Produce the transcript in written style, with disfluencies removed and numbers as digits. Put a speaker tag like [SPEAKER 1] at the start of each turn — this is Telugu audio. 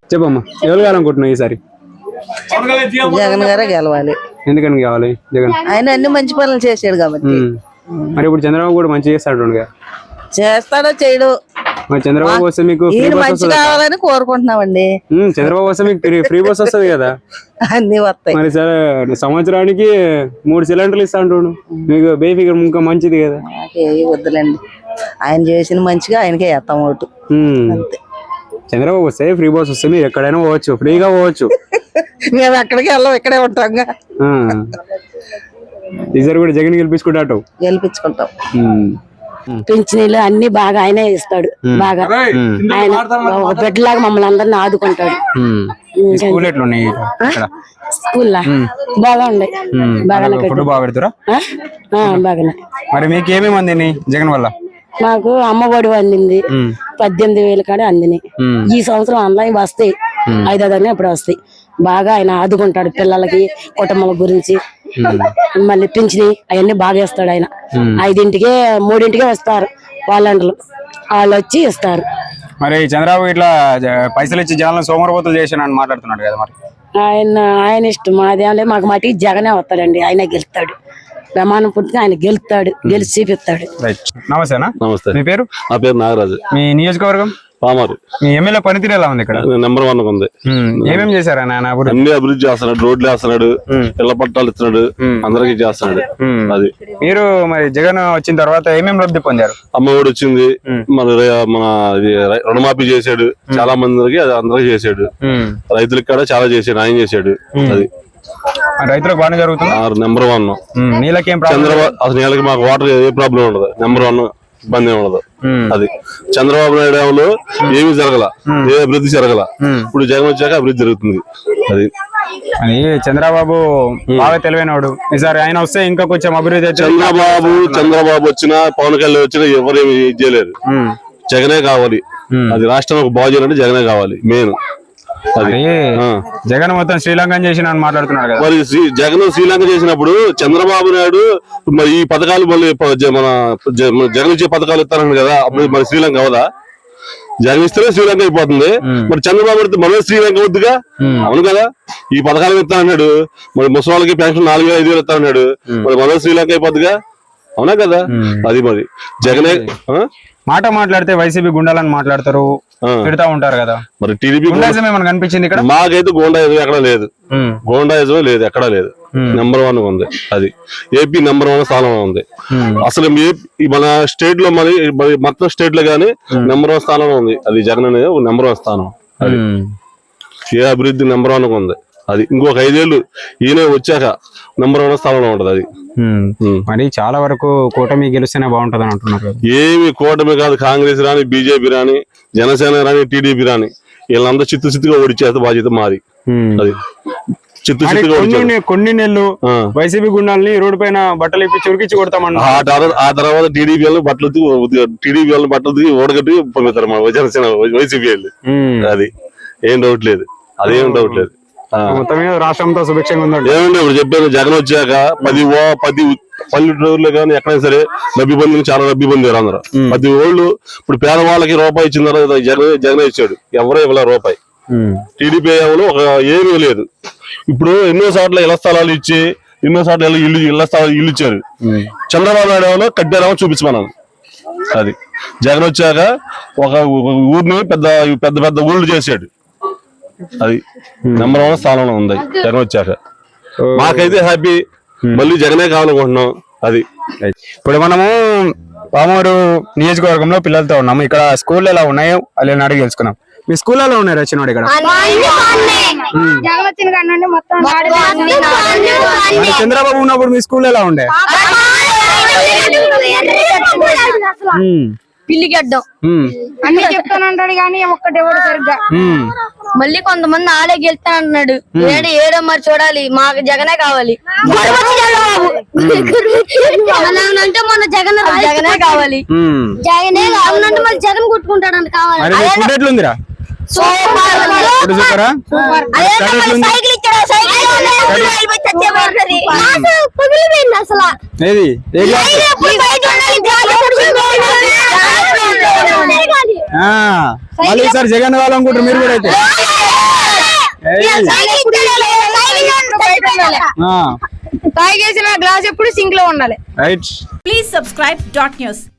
[SPEAKER 1] చెప్పమ్మా, ఎవరు కావాలనుకుంటున్నావు ఈసారి?
[SPEAKER 2] జగన్ గారే గెలవాలి.
[SPEAKER 1] ఎందుకని కావాలి జగన్?
[SPEAKER 2] ఆయన అన్ని మంచి పనులు చేశాడు కాబట్టి.
[SPEAKER 1] మరి ఇప్పుడు చంద్రబాబు కూడా మంచి చేస్తాడు.
[SPEAKER 2] చేస్తాడో చేయడు,
[SPEAKER 1] మరి చంద్రబాబు వస్తే మీకు
[SPEAKER 2] మంచి కావాలని కోరుకుంటున్నామండి.
[SPEAKER 1] చంద్రబాబు వస్తే మీకు ఫ్రీ బస్ వస్తుంది కదా,
[SPEAKER 2] అన్ని వస్తాయి.
[SPEAKER 1] మరి సరే సంవత్సరానికి 3 సిలిండర్లు ఇస్తా అంటాడు, మీకు బేఫిగర్ ఇంకా మంచిది కదా.
[SPEAKER 2] వద్దులేండి, ఆయన చేసిన మంచిగా ఆయనకే వేస్తాం ఓటు అంతే.
[SPEAKER 1] చంద్రబాబు వస్తే ఫ్రీ బస్ వస్తే మీరు ఎక్కడైనా పోవచ్చు, ఫ్రీగా పోవచ్చు.
[SPEAKER 2] మేము ఎక్కడికి వెళ్ళాం, ఇక్కడే ఉంటాం.
[SPEAKER 1] ఈసారి కూడా జగన్ గెలిపించుకుంటాడు.
[SPEAKER 2] గెలిపించుకుంటాం.
[SPEAKER 3] పింఛనీలు అన్ని బాగా ఆయనే ఇస్తాడు. బాగా ఆయన ఒక బిడ్డలాగా మమ్మల్ని అందరిని ఆదుకుంటాడు. స్కూల్ బాగా ఉండే, బాగానే.
[SPEAKER 1] మరి మీకు ఏమేమి అందిని జగన్ వల్ల?
[SPEAKER 3] మాకు అమ్మఒడి అందింది, 18,000 కాడే అందిని. ఈ సంవత్సరం ఆన్లైన్ వస్తాయి, 5,000 ఎప్పుడు వస్తాయి. బాగా ఆయన ఆదుకుంటాడు పిల్లలకి, కుటుంబాల గురించి. మళ్ళీ పింఛని అవన్నీ బాగా ఇస్తాడు ఆయన. 5ంటికే 3ంటికే వస్తారు వాళ్ళంటలు, వాళ్ళు వచ్చి ఇస్తారు.
[SPEAKER 1] మరి చంద్రబాబు ఇట్లా పైసలు ఇచ్చి జనాలను సోమరపోతులు చేశానని మాట్లాడుతున్నాడు కదా, మరి
[SPEAKER 3] ఆయన ఇష్టం. మాదేం లేదు, మాకు మటుకు జగనే వస్తాడండి, ఆయన గెలుస్తాడు. ప్రమాణం పూర్తిగా ఆయన గెలుస్తాడు, గెలిచి చూపిస్తాడు.
[SPEAKER 1] నమస్తేనా?
[SPEAKER 4] నమస్తే.
[SPEAKER 1] మీ పేరు?
[SPEAKER 4] నా పేరు నాగరాజు.
[SPEAKER 1] మీ నియోజకవర్గం?
[SPEAKER 4] పామారు.
[SPEAKER 1] మీ ఎమ్మెల్యే పనితీరు ఎలా ఉంది ఇక్కడ?
[SPEAKER 4] నెంబర్ 1 ఉంది.
[SPEAKER 1] ఏమేమి చేశారా నాయన?
[SPEAKER 4] అన్ని అభివృద్ధి చేస్తున్నాడు, రోడ్లు వేస్తున్నాడు, ఇళ్ల పట్టాలు ఇస్తున్నాడు, అందరికి చేస్తున్నాడు. అది
[SPEAKER 1] మీరు మరి జగన్ వచ్చిన తర్వాత ఏమేమి లబ్ధి పొందారు?
[SPEAKER 4] అమ్మఒడి వచ్చింది, మన రుణమాఫీ చేశాడు, చాలా మందికి అందరికి చేశాడు. రైతులకి కూడా చాలా చేశాడు, ఆయన చేశాడు. అది
[SPEAKER 1] రైతులకు బాగానే జరుగుతుంది.
[SPEAKER 4] నెంబర్ 1.
[SPEAKER 1] నీళ్ళకేం
[SPEAKER 4] చంద్రబాబు అసలు నీళ్ళకి మాకు వాటర్ ఏ ప్రాబ్లం ఉండదు. నెంబర్ 1 ఇబ్బంది ఉండదు. అది చంద్రబాబు నాయుడు ఏమి జరగల, ఏ అభివృద్ధి జరగల. ఇప్పుడు జగన్ వచ్చాక అభివృద్ధి జరుగుతుంది. అది
[SPEAKER 1] చంద్రబాబు బాగా తెలివైనవాడు. ఈసారి ఆయన వస్తే ఇంకా కొంచెం అభివృద్ధి.
[SPEAKER 4] చంద్రబాబు వచ్చినా, పవన్ కళ్యాణ్ వచ్చినా ఎవరేమి చేయలేరు. జగనే కావాలి. అది రాష్ట్రం బాగు చేయాలంటే జగనే కావాలి మెయిన్.
[SPEAKER 1] జగన్ మొత్తం శ్రీలంక చేసిన మాట్లాడుతున్నాడు కదా.
[SPEAKER 4] మరి జగన్ శ్రీలంక చేసినప్పుడు చంద్రబాబు నాయుడు మరి ఈ పథకాలు మళ్ళీ మన జగన్ ఇచ్చే పథకాలు ఇస్తారని కదా, అప్పుడు మరి శ్రీలంక అవదా? జగన్ ఇస్తేనే శ్రీలంక అయిపోతుంది. మరి చంద్రబాబు నాయుడు మళ్ళీ శ్రీలంక వద్దుగా? అవును కదా. ఈ పథకాలు ఇస్తా అన్నాడు, మరి ముసలి పెన్షన్ 4,000 5,000 ఇస్తా అన్నాడు, మరి మళ్ళీ శ్రీలంక అయిపోద్దిగా? అవునా కదా. అది మరి జగనే
[SPEAKER 1] మాట మాట్లాడితే వైసీపీ గుండాలని మాట్లాడతారు, తిడతా ఉంటారు కదా.
[SPEAKER 4] మరి టీడీపీ
[SPEAKER 1] ఏమైనా కనిపించింది ఇక్కడ?
[SPEAKER 4] మాకైతే గోండాయిజం ఎక్కడ లేదు, గోండాయిజం లేదు, ఎక్కడా లేదు. నెంబర్ 1 ఉంది. అది ఏపీ నెంబర్ 1 స్థానంలో ఉంది. అసలు మన స్టేట్ లో మరి మొత్తం స్టేట్ లో గానీ నెంబర్ 1 స్థానంలో ఉంది. అది జగన్ అనేది నెంబర్ 1 స్థానం. అది ఏ అభివృద్ధి నెంబర్ 1 ఉంది. అది ఇంకొక 5 ఏళ్ళు ఈయన వచ్చాక నెంబర్ 1 స్థానంలో ఉంటది. అది
[SPEAKER 1] మరి చాలా వరకు కూటమి గెలిస్తేనే బాగుంటది అని అంటున్నారు.
[SPEAKER 4] ఏమి కూటమి కాదు, కాంగ్రెస్ రాని, బీజేపీ రాని, జనసేన రాని, టీడీపీ రాని, వీళ్ళందరూ చిత్తుగా ఓడిచేస్తే బాధ్యత మాది. అది
[SPEAKER 1] కొన్ని నెలలు వైసీపీ గుండాలని రోడ్డు పైన బట్టలు ఇప్పి చురికిచ్చి కొడతామన్నా.
[SPEAKER 4] ఆ తర్వాత టీడీపీ వాళ్ళు బట్టలు ఓడగట్టి పంపిస్తారు మన జనసేన వైసీపీ వాళ్ళు. అది ఏం డౌట్ లేదు, అదేం డౌట్ లేదు.
[SPEAKER 1] మొత్తం మీద రాష్ట్రంతో సుభిక్షంగా ఉందండి.
[SPEAKER 4] ఏమంటే ఇప్పుడు చెప్పాను, జగన్ వచ్చాక 10 పల్లెటూరులో కానీ ఎక్కడైనా సరే లబ్ధి పొందిన, చాలా లబ్ధి పొందారు అందరూ. 10 ఓళ్ళు ఇప్పుడు పేదవాళ్ళకి రూపాయి ఇచ్చిన తర్వాత జగన్ ఇచ్చాడు, ఎవరో ఇవ్వలే రూపాయి. టీడీపీ ఏమో ఏమీ లేదు. ఇప్పుడు ఎన్నో సార్లు ఇళ్ల స్థలాలు ఇచ్చి, ఎన్నో సార్లు ఇళ్ల స్థలాలు ఇల్లు ఇచ్చారు. చంద్రబాబు నాయుడు ఏమో కట్టారేమో చూపించమన్నాను. అది జగన్ వచ్చాక ఒక ఊరిని పెద్ద పెద్ద పెద్ద ఊళ్ళు చేశాడు. అది నెంబర్ 1 స్థానంలో ఉంది జగన్ వచ్చాక. మాకైతే హ్యాపీ, మళ్ళీ జగనే కావాలనుకుంటున్నాం. అది
[SPEAKER 1] ఇప్పుడు మనము పామూరు నియోజకవర్గంలో పిల్లలతో ఉన్నాము. ఇక్కడ స్కూల్ ఎలా ఉన్నాయో అలా అడిగి తెలుసుకున్నాం. మీ స్కూల్ ఎలా ఉన్నాయి రచనోడు? ఇక్కడ చంద్రబాబు ఉన్నప్పుడు మీ స్కూల్ ఎలా ఉండే?
[SPEAKER 5] పిల్లిగడ్డం అన్ని చెప్తానంటాడు కానీ ఒక్కటెవడు సరిగ్గా. మళ్ళీ కొంతమంది ఆడే గెలుస్తానంటున్నాడు. ఏడో మరి చూడాలి, మాకు జగనే కావాలి. అంటే మన జగనే కావాలి, జగనే కావాలంటే మళ్ళీ జగన్ కొట్టుకుంటాడంట కావాలి.
[SPEAKER 1] మళ్ళీ సార్ జగన్ కావాలనుకుంటారు మీరు కూడా అయితే?
[SPEAKER 5] తాగేసిన గ్లాస్ ఎప్పుడు సింక్ లో ఉండాలి.
[SPEAKER 1] Right.
[SPEAKER 6] Please subscribe dot news.